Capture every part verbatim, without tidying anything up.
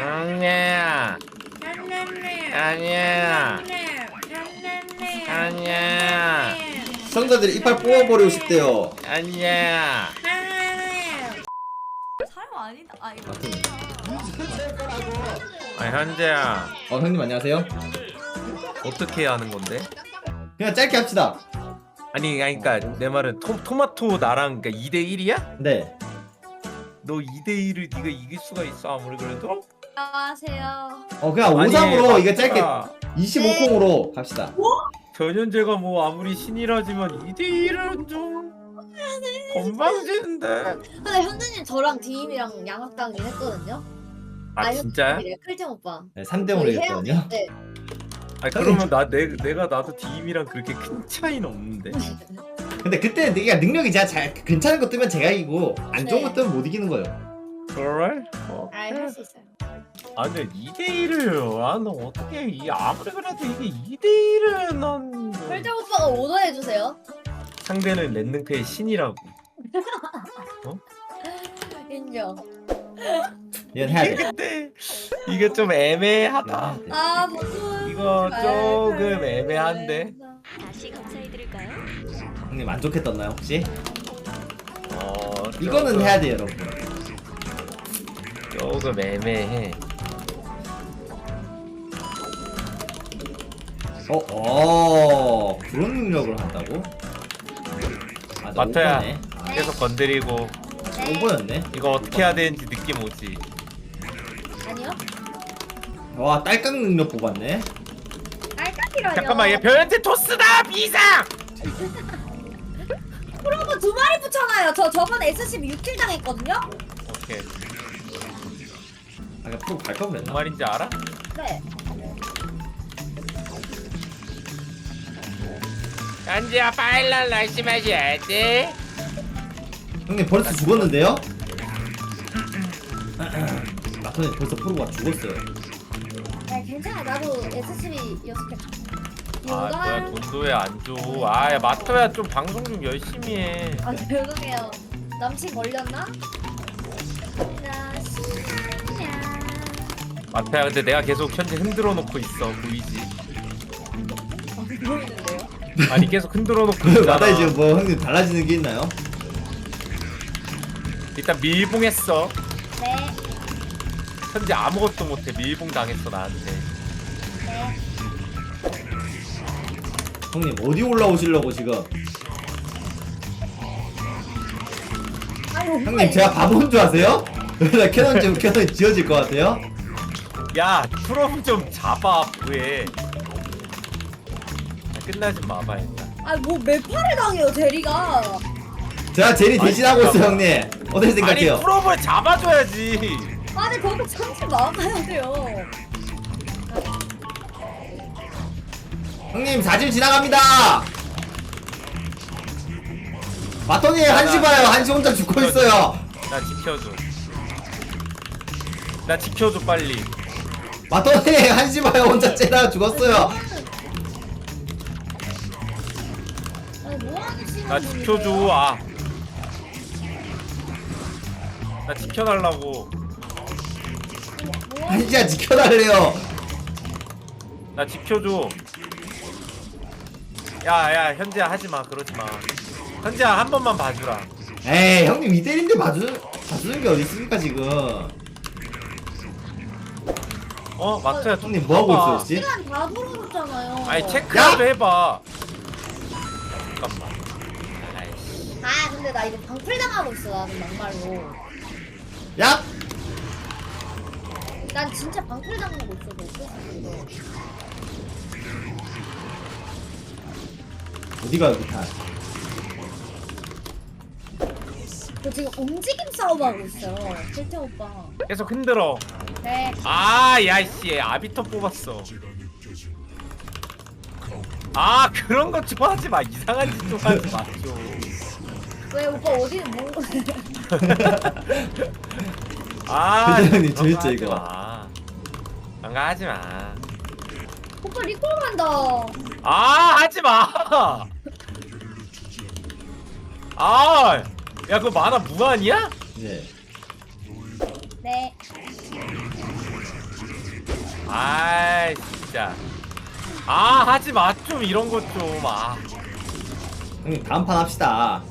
아니야. 아니야. 아니야. 시청자들이 이빨 뽑아버리고 싶대요. 아니야. 사람 아니다. 아 이거. 아 현재야. 어 형님 안녕하세요. 어떻게 하는 건데? 그냥 짧게 합시다. 아니 아니 그러니까 내 말은 토, 토마토 나랑 그러니까 이 대 일이야? 네. 너 이 대 일을 네가 이길 수가 있어 아무리 그래도? 안녕하세요. 어 그냥 아니, 오삼으로 이거 맞다. 짧게 이십오 콩으로 갑시다. 변현재가 뭐 아무리 신이라지만 이 대 일은 좀 건방지는데. 근데 현재님 저랑 디임이랑 양학당일 했거든요. 아 진짜야? 클잼 오빠. 네, 삼 대 오로 이겼거든요. 네. 아 그러면 나 내, 내가 나도 디임이랑 그렇게 큰 차이는 없는데. 근데 그때 내가 능력이 제가 잘 괜찮은 거 뜨면 제가 이기고 안 좋은 네. 거 뜨면 못 이기는 거예요. 그래? 어. 알할수 있어요. 아 근데 이 대 일을 아너 어떻게 이 아무리 그래도 이게 이 대 일은 난 클잼 오빠가 오더해 주세요. 상대는 랜능패의 신이라고. 인정. 이건 해야 이게 돼. 근데 이게 좀 애매하다. 이건 해야 돼. 아 버튼. 이거 조금 애매한데. 다시 감사해드릴까요? 형님 만족했던나요 혹시? 어 이거는 조금- 해야 돼요 여러분. 조금 애매해. 어, 어 그런 능력을 한다고? 아, 나 마토야. 오버네. 아, 계속 건드리고 오버였네. 이거 어떻게 해야 되는지 느낌 오지. 아니요. 와 딸깍 능력 뽑았네. 깔깍이라뇨. 잠깐만 얘 변현재 토스다 비상. 프로브 두 마리 붙여놔요. 저 저번에 에스씨비 육 킬 당했거든요. 오케이. 아까 프로 갈까 뭔 그랬나? 말인지 알아? 네. 현재야 파일럿 날씨마셔야 돼. 형님 벌써 죽었는데요? 마토님 벌써 프로가 죽었어요. 네 괜찮아. 나도 에스씨비 여섯 개. 아 뭐야 돈도 왜 안 줘? 아야 마토야 좀 방송 좀 열심히 해. 아 죄송해요. 남친 걸렸나? 나 신나냐. 마토야 근데 내가 계속 현재 흔들어 놓고 있어 보이지? 안 보이는데요? 아니 계속 흔들어 놓고 있잖아. 마토 지금 뭐 형님 달라지는 게 있나요? 일단 밀봉했어. 네. 현재 아무것도 못해. 밀봉 당했어 나한테. 네. 형님 어디 올라오시려고 지금? 아니 오빠 형님 제가 바본 줄 아세요? 나 캐논 지금 캐논 지어질 것 같아요? 야 프롬 좀 잡아 뭐해. 끝나지 마봐 일단. 아뭐 매파를 당해요 제리가. 제가 제리 대신하고 있어요 형님. 어떻게 생각해요? 아니 프롬을 잡아줘야지. 아니 거기 참지 막아야 돼요. 형님 사진 지나갑니다. 마토님 한시 봐요. 한시 혼자 죽고 있어요. 나 지켜줘. 나 지켜줘 빨리. 마토님 한시 봐요. 혼자 째다가 죽었어요. 아니 뭐하는 친구. 나 지켜줘. 아. 나 지켜달라고. 한시야 지켜달래요. 나 지켜줘. 야야 현재야 하지마 그러지마. 현재야 한 번만 봐주라. 에이 형님 이대리인데 봐주, 봐주는 게 어디 있습니까 지금? 어 마토야 좀 형님 뭐하고 봐봐. 있어요 혹시? 시간 다 돌아줬잖아요. 아니 체크라도 해봐. 잠깐만. 아이씨. 아 근데 나 이거 방풀 당하고 있어 나는 막말로. 야! 난 진짜 방풀 당하고 있어 너 어떡해. 어디가 여기 다? 저 지금 움직임 싸움하고 있어요 실태 오빠. 계속 흔들어. 네. 아 야이씨 아비터 뽑았어. 아 그런 거 좀 하지 마. 이상한 짓 좀 하지 마 좀. 왜 오빠 어디 뭐 아 대장님, 그런 거 재밌죠, 하지 이거? 마. 그런 거 하지 마. 오빠 리콜 간다. 아 하지 마. 아, 야 그거 만화 무한이야? 네. 네. 아이 진짜. 아 하지 마 좀 이런 것 좀. 아. 형님 다음 판 합시다.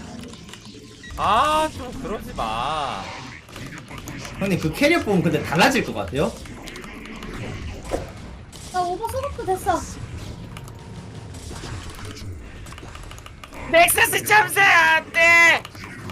아 좀 그러지 마. 형님 그 캐리어 보면 근데 달라질 것 같아요? 나 오버 소급도 됐어. 넥서스 참새 안돼.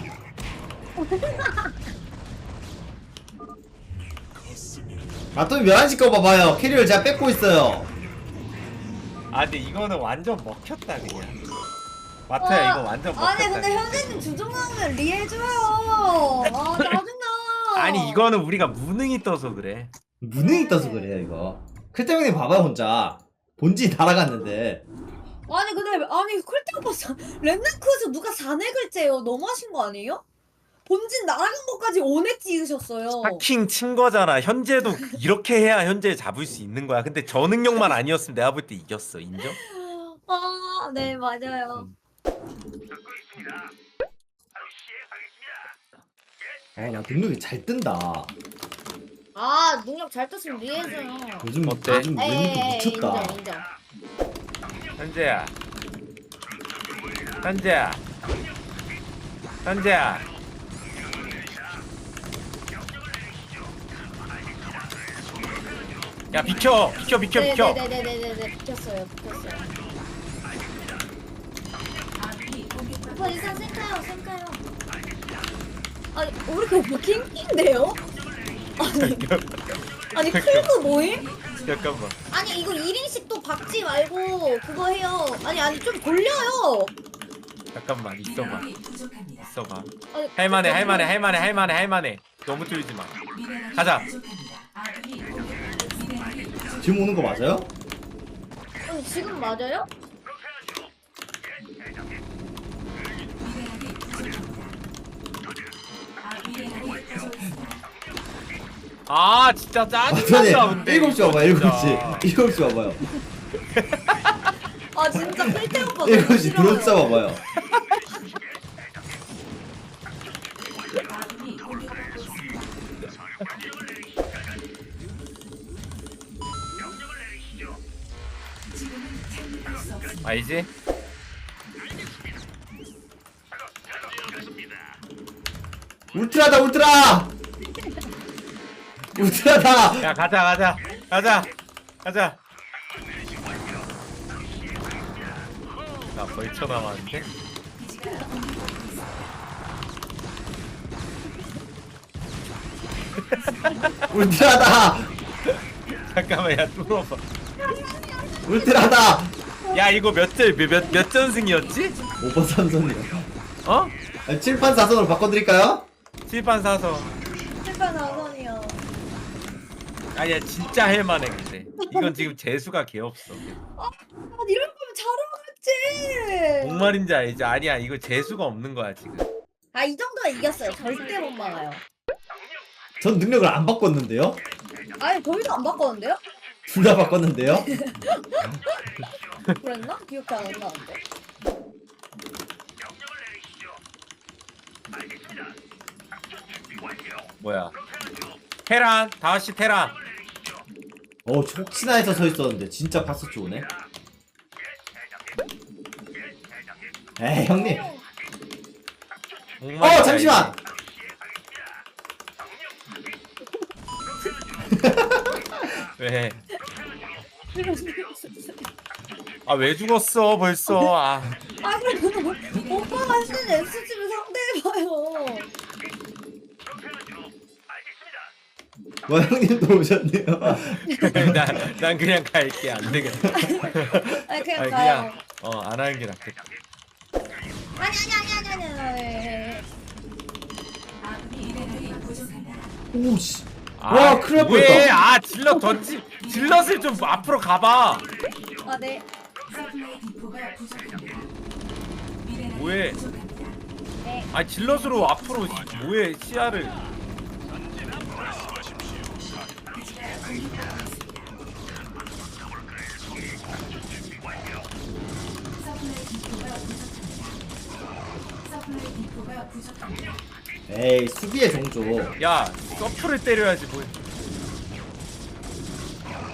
아 또 멸한시 거 봐봐요. 캐리어를 제가 뺏고 있어요. 아 근데 이거는 완전 먹혔다 그냥. 마트야 이거 완전 먹혔다. 아니 근데 현재님 주종 나오면 리해줘요. 아 짜증나. 아니 이거는 우리가 무능이 떠서 그래. 무능이 떠서 그래요 이거. 클때 형님 봐봐요 혼자. 본진 날아갔는데. 아니 근데 아니 콜대 오빠 사- 랜드크에서 누가 사넥을 째요? 너무하신 거 아니에요? 본진 나가는 것까지 오넥 찍으셨어요. 하킹 친 거잖아. 현재도 이렇게 해야 현재 잡을 수 있는 거야. 근데 저 능력만 아니었으면 내가 볼 때 이겼어. 인정? 아, 네 맞아요. 아나 능력이 잘 뜬다. 아 능력 잘 떴으면 리해줘요. 요즘 어때? 요즘 능력이 에이 미쳤다. 인정 인정. 현재야. 현재야. 현재야. 야 비켜 비켜 비켜 비켜. 네네네네네네 비켰어요 비켰어요. 오빠 일단 생카요 생카요. 아니 왜 이렇게 오빠 킹킹인데요? 아니 아니 클브 모임? 잠깐만. 아니 이거 일 인씩 또 박지 말고 그거 해요. 아니 아니 좀 돌려요. 잠깐만 있어봐. 있어봐. 아니, 할만해 잠깐만요. 할만해 할만해 할만해 할만해. 너무 뚫지 마. 가자. 지금 오는 거 맞아요? 아니 지금 맞아요? 아 진짜 아 짜증난다 전에 근데. 일곱 시 와봐 일곱 시. 진짜. 일곱 시 와봐요. 아 진짜 필태 오빠 너무 일곱 시 싫어요. 들어오자 봐봐요. 알지? 울트라다 울트라. 울트라다. 야 가자 가자 가자 가자. 나 벌쳐 남았는데? 울트라다. 잠깐만 야 뚫어봐. 울트라다. 야 이거 몇점몇몇 전승이었지? 오 번 삼 선이요. 어? 칠 판 사 선으로 바꿔드릴까요? 칠판 사서. 실패 나선이요. 아니야 진짜 할만해 근데. 이건 지금 재수가 개 없어. 아 이럴 거면 잘하겠지. 뭔 말인지 알지? 아니야 이거 재수가 없는 거야 지금. 아 이 정도면 이겼어요. 절대 못 막아요. 전 능력을 안 바꿨는데요? 아니 저희도 안 바꿨는데요? 둘 다 바꿨는데요? 그랬나? 기억이 안 나는데. 뭐야? 테란 다시 테란. 어 혹시나 해서 서 있었는데 진짜 파스치 오네. 에이 형님. 뭔 어 말인지 잠시만. 알지? 왜? 아 왜 죽었어 벌써? 아. 아 그래도 오빠가 쓰는 에스지를 상대해봐요. 와 형님도 오셨네요. 난, 난 그냥 갈게 안 되겠다. 아니 그냥 아니 가요. 그냥 어 안 하는 게 낫겠다. 아니 아니 아니 아니 아니 아니. 오씨. 아, 와, 큰일 날 왜? 뻔했다. 아 질럿 던지 질럿을 좀 앞으로 가봐. 아 네. 뭐해? 네. 아 질럿으로 앞으로 뭐해 시야를. 에이 수비의 종조. 야 서프를 때려야지 뭐.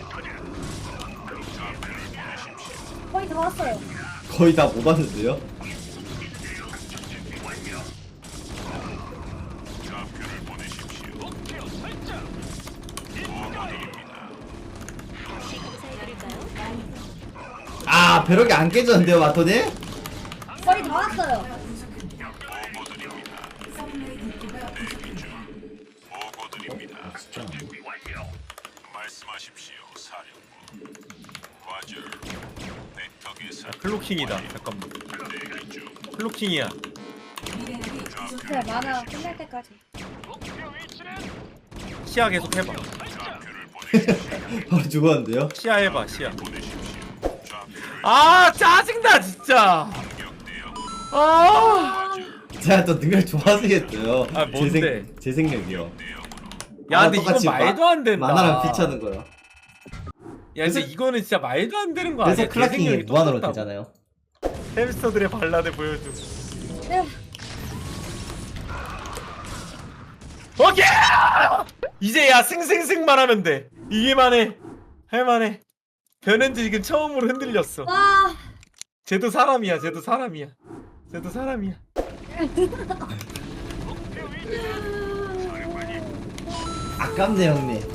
다 왔어요. 거의 다 못 왔는데요? 아 벼락이 안 깨졌는데요 마토님? 거의 다 왔어요. 아, 진짜. 말씀하십시오, 사령부. 과절. 벡터 아, 클로킹이다. 잠깐만. 클로킹이야. 그래 만화 끝날 때까지. 시야 계속 해봐. 바로 죽었는데요? 시야 해봐. 시야. 아 짜증나 진짜. 아. 제가 또 능력 좋아하시겠어요. 아, 뭔데? 재생, 재생력이요. 야 아, 근데 이거 똑같이 말도 안 된다. 만화랑 피차는 거요. 야 근데 그래서- 이거는 진짜 말도 안 되는 거 그래서 아니야? 클라킹이 재생력이 무한으로 똑같다고. 되잖아요. 햄스터들의 발라드 보여줘. 네. 오케이! 이제 야 승승승만 하면 돼. 이게만해. 할만해. 변현지 지금 처음으로 흔들렸어. 와. 쟤도 사람이야. 쟤도 사람이야. 쟤도 사람이야. 아깝네 형님.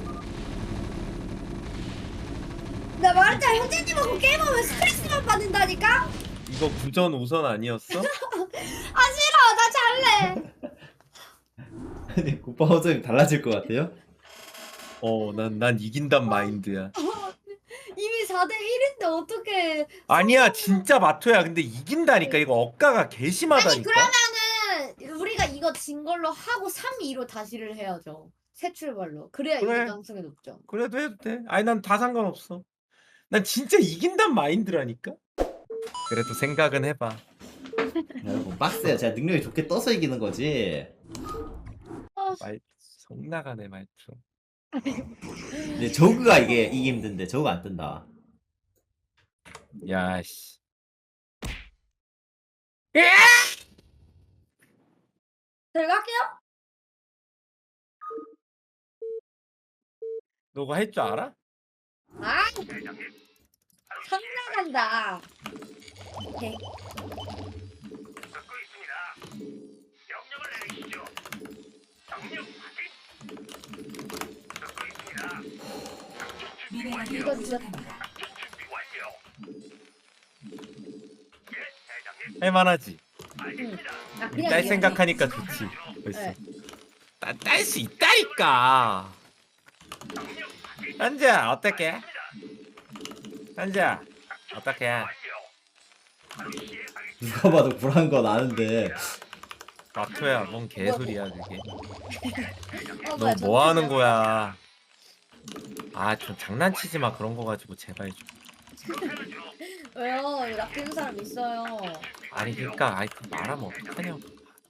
나 말했잖아 형제님하고 게임하면 스트레스만 받는다니까? 이거 구전 우선 아니었어? 아 싫어 나 잘래. 아니 국밥 호점이 달라질 것 같아요? 어, 난, 난 이긴단 마인드야. 이미 사 대 일인데 어떻게? 아니야, 진짜 마토야. 근데 이긴다니까. 이거 억가가 아니 개심하다니까. 그러면은 우리가 이거 진 걸로 하고 삼 이로 다시를 해야죠. 새 출발로. 그래야 그래. 이길 가능성이 높죠. 그래도 해도 돼. 아니, 난 다 상관없어. 난 진짜 이긴단 마인드라니까. 그래도 생각은 해봐. 여러분 빡세요. 제가 능력이 좋게 떠서 이기는 거지. 말, 속 나가네, 말투. 근데 저그가 이게 이기 힘든데 저그가 안 뜬다. 야, 씨. 들어갈게요. 너가 할 줄 알아? 아, 상나간다. 오케이. 이거 늦었다. 할만하지? 응. 아 그냥 딸 이겼네. 생각하니까 좋지. 벌써. 네. 딸 수 있다니까. 현지야, 어떡해? 현지야, 어떡해? 누가 봐도 불안한 건 아는데. 마토야, 뭔 개소리야, 그게. 어, 너 뭐야, 뭐 하는 저 거야? 아, 좀 장난치지 마. 그런 거 가지고 제발 좀. 왜요? 낚이는 사람 있어요. 아니, 그러니까, 아이, 그 말하면 어떡하냐고.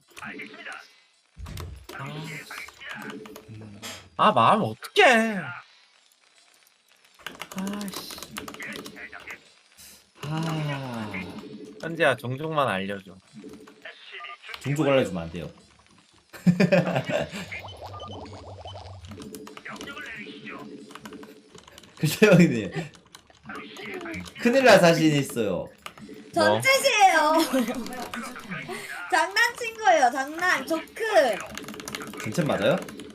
아, 아 말하면 어떡해. 아씨. 아 현지야, 종종만 알려줘. 종족 알려주면 안 돼요. 글쎄 형님 큰일 날 자신 있어요. 전체시에요. 장난친 거예요. 장난. 조크. 전체 맞아요?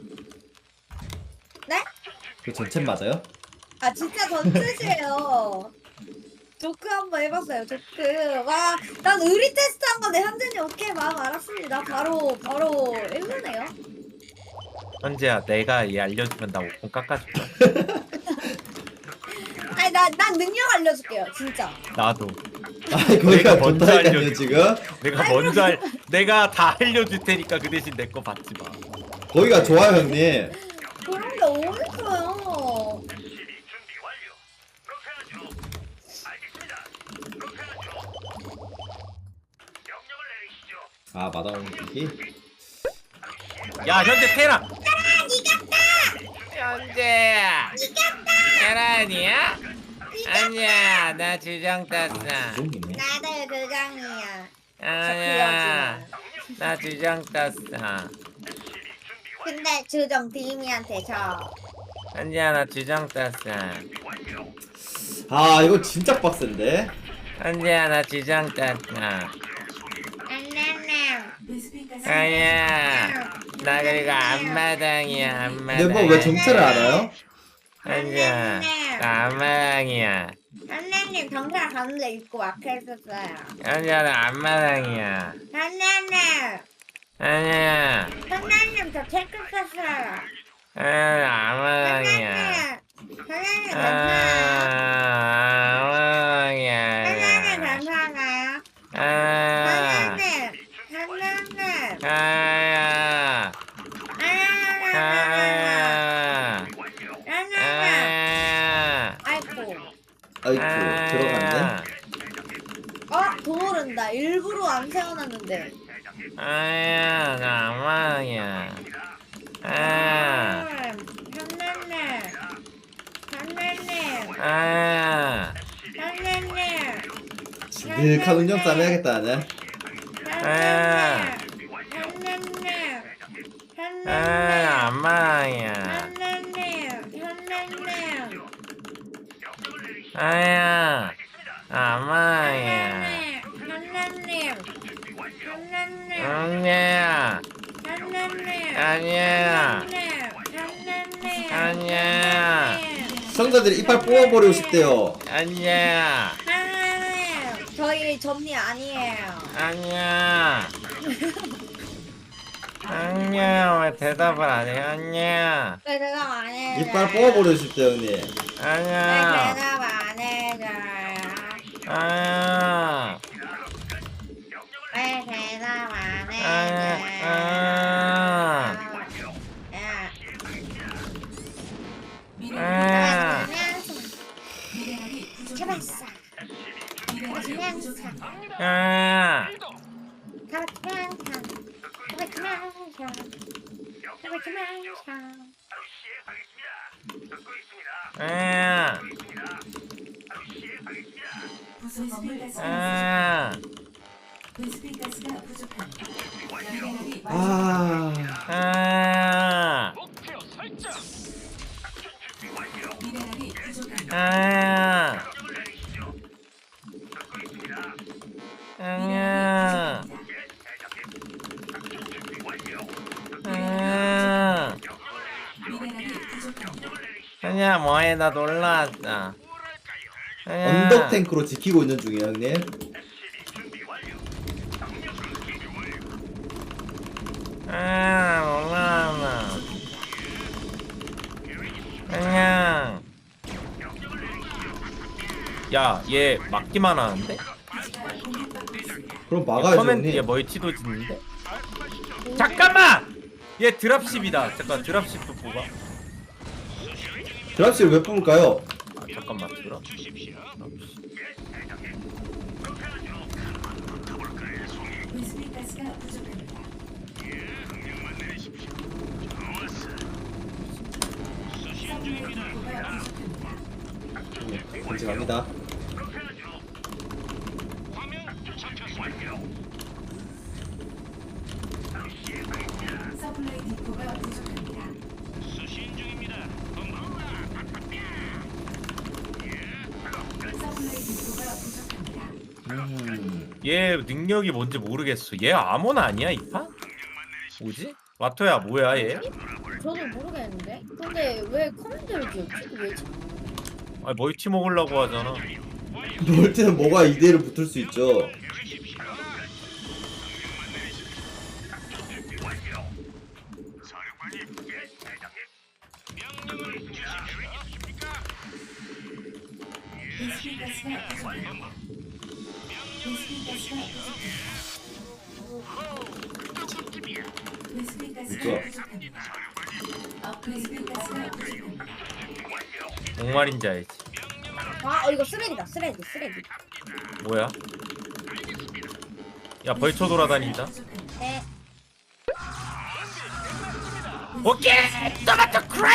네? 그 전체 맞아요? 아 진짜 전체시에요. 조크 한번 해봤어요. 조크. 와, 난 의리 테스트 한 건데 현진이 오케이 마음 알았습니다. 바로 바로 일루네요. 현지야, 내가 얘 알려주면 나 오 분 깎아줄 거야. 아니 나난 능력 알려줄게요. 진짜. 나도. 아 거기가 먼저 좋다니까요 알려줘. 지금. 내가 먼저 알, 내가 다 알려줄 테니까 그 대신 내 거 받지 마. 거기가 좋아요 형님. 그런 게 어딨어요. 아 마다운 기기. 야, 현재 테라. 현재. 테란이야? 아니야, 나 주장 땄어. 종이네. 나도 그장이야. 아니야, 나 주장 땄어. 근데 주정 디미한테 져. 현지야, 나 주장 땄어. 아 이거 진짜 빡센데. 현재야 나 지장 땄다. 안녕님. 아야 나 그리고 앞마당이야 앞마당. 근데 뭐 왜 정체를 알아요? 현재야 나 앞마당이야. 안녕님 경찰 가는데 입고 막혀 있었어요. 현재야 나 앞마당이야. 안녕님. 현재야 안녕님 저 체크 썼어요. 현재야 나 앞마당이야. 안녕님. 안녕님 아, 괜찮아요. 안녕님 앞마당이야. 괜찮아요. 아, 안녕님. 안녕님. 아야. 안녕님. 아야. 안녕님. 아야. 아이고. 아이쿠 들어갔네. 어? 도모른다. 일부러 안 세워놨는데. 아야, 나 악마야. 아, 현나님. 현나님. 아, 현나님. 지득한 운영 싸움 해야겠다 나는. 아, 현나님. 아, 현나님. 악마야. 현나님. 현나님. 아야, 악마야. 현나님. 현나님. 아니야, 현나님. 아니야, 현나님. 아니야, 시청자들이 이빨 뽑아버리고 싶대요. 아니야, 하나님, 저희 점리 아니에요. 아니야. 아니야, 왜 대답을 안 해? 아니야, 왜 대답 안 해줘요? 이빨 뽑아버리고 싶대요 형님. 왜 아니야, 대답 안 해줘요? 아니야. 왜 대답 안 아, 해줘요? 아, 야, 아, 잡았어. 잡았어. 아, 아, 아, 배수빈가스가 부족합니다. 미네랄이 아 아, 미네랄이 부족합니다. 아, 아니야, 아, 미네랄이 부족합니다. 아니야, 뭐해? 나 놀라웠어. 아니야. 언덕 탱크로 지키고 있는 중이에요 형님. 아, 놀라웠어. 아니야. 야, 얘 막기만 하는데? 그럼 막아야죠 커맨드 얘 형님. 멀티도 짓는데? 잠깐만! 얘 드랍십이다. 잠깐 드랍십도 뽑아. 드랍실 왜 뽑을까요? 아, 잠깐만 드랍. 배수빈가스가 부족합니다. 서플라이 디포가 부족합니다. 인증합니다. 서플라이 디포가 부족합니다. 서플라이 디포가 부족합니다. 음. 얘 능력이 뭔지 모르겠어. 얘 아몬 아니야 이 판? 뭐지? 와토야 뭐야 얘? 저도 모르겠는데. 근데 왜 커맨드를 지었지? 왜지? 아 멀티 먹으려고 하잖아. 놀 때는 뭐가 이대로 붙을 수 있죠. 배수빈가스가 부족합니다. 배수빈가스가 부족합니다. 배수빈가스가 있죠? 부족합니다. 아, 배수빈가스가 부족합니다. 뭔 말인지 알지? 아, 어, 이거 쓰레기다. 쓰레기, 쓰레기. 뭐야? 야 벌쳐 돌아다닌다. 네. 오케이! 토마토 크랙!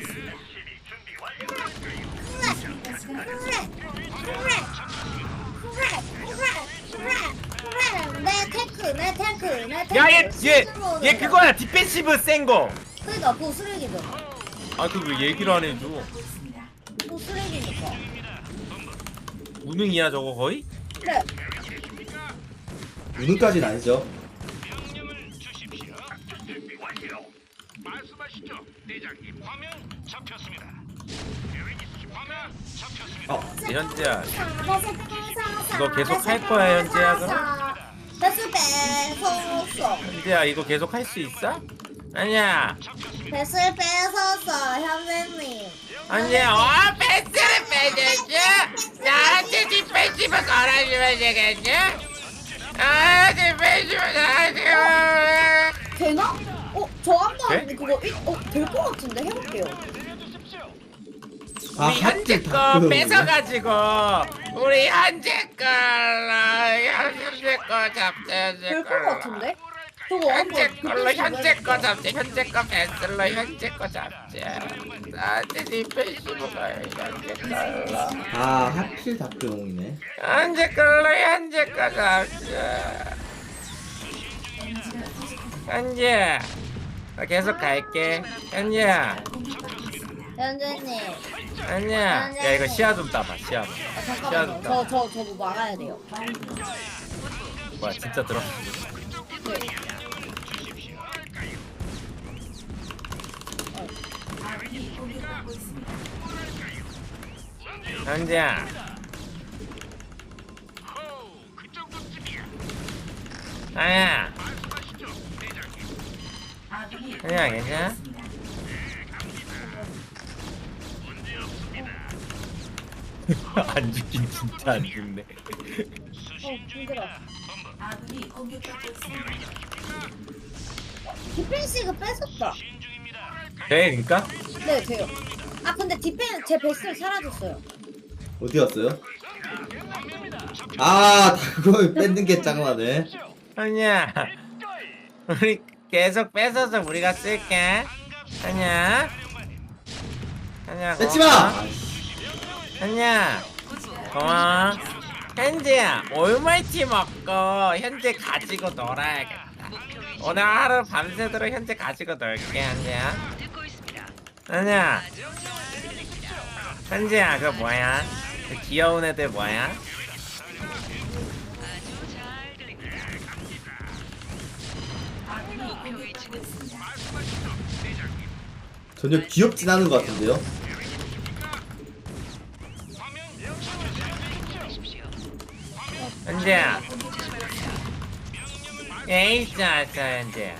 배수빈가스가 그래, 그래, 그래, 그래, 그래, 그래. 내 탱크, 내 탱크, 내 탱크. 야얘얘얘 스스로 얘 내가. 그거야 디펜시브 센 거. 그러니까 그거 쓰레기죠. 아 그 왜 얘기를 안 해줘? 있습니다. 그거 쓰레기니까. 무능이야 저거 거의? 네. 우는까지는 아니죠. 명령을 주십시오. 작전 준비 완료. 말씀하시죠, 대장님. 화면 잡혔습니다. 계획 있으시 화면 잡혔습니다. 어, 현재야 이거 계속 할 거야, 현재야, 그럼? 배수 뺏었어. 현재야 이거 계속 할 수 있어? 아니야. 배수 뺏었어, 현재님. 아니야. 어 패스를 빼줬지? 나한테 뒷패시브 걸어주면 되겠지? 아 뒷패시브 나한테 되나? 어, 저 한번 돼? 그거 일- 어, 될 것 같은데 해볼게요. 아, 우리 현재 하필 거 다크용이네. 뺏어가지고 우리 현재 걸로 현재 거 잡자 현재 될 것 걸로 같은데? 저거 현재 한번 걸로 그때 현재 거 해볼게요. 잡자 현재 거 뺏을로 현재 거 잡자 나한테 디펜시브가 현재 걸로 아, 하필 다크용이네. 현재 걸로 현재 거 잡자 에너지가 부족합니다. 현재 나 계속 갈게 현재야 공격받고 있습니다. 현재님. 현재야 야 이거 시야 좀 따봐 시야 좀. 아, 시야 잠깐만요. 좀 저, 따봐 저, 저 뭐 막아야 돼요. 뭐야 진짜 들어 아군이 공격받고 있습니다. 현재야 호, 그 정도쯤이야. 아야 말씀하시죠, 대장님. 아군이 현재야 괜찮아? 있습니다. 문제 없습니다. 안 죽긴 진짜 안 죽네 어, 힘들어. 아군이 공격받고 있습니다. 디펜시그 뺏었다. 돼 그니까? 네, 돼요. 아, 근데 디펜, 제 베스트 사라졌어요. 어디 갔어요? 아, 다크용 뺏는 게 짱나네. 아니야 우리 계속 뺏어서 우리가 쓸게 아니야 아니야 뺏지 마! 아니야 고마워 현재야 올마이티 먹고 현재 가지고 놀아야겠다 오늘 하루 밤새도록 현재 가지고 놀게 현재야 아니야 현재야 그거 뭐야 그 귀여운 애들 뭐야 아군이 공격받고 있습니다. 전혀 귀엽진 않은 것 같은데요? 현재야 에이스 왔어 현재야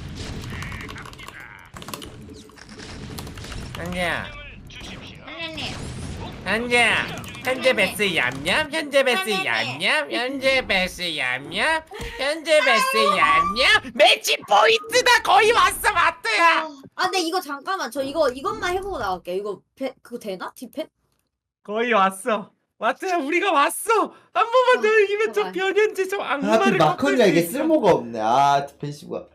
현재야 현재님. 현재야 현재 베스 얌얌 현재 베스 얌얌 현재 베스 얌얌 현재 베스 얌얌 매치 포인트다 거의 왔어 마트야 아, 근데 이거 잠깐만. 저 이거, 이것만 해보고 나갈게요. 이거, 베, 그거 되나? 디펜? 거의 왔어 마트야 우리가 왔어 한 번만 더 아, 이기면 좀 제발. 변현재 좀 하필 악마를 마커니가 꺾을 수 이게 있어. 쓸모가 없네. 아, 디펜시브가.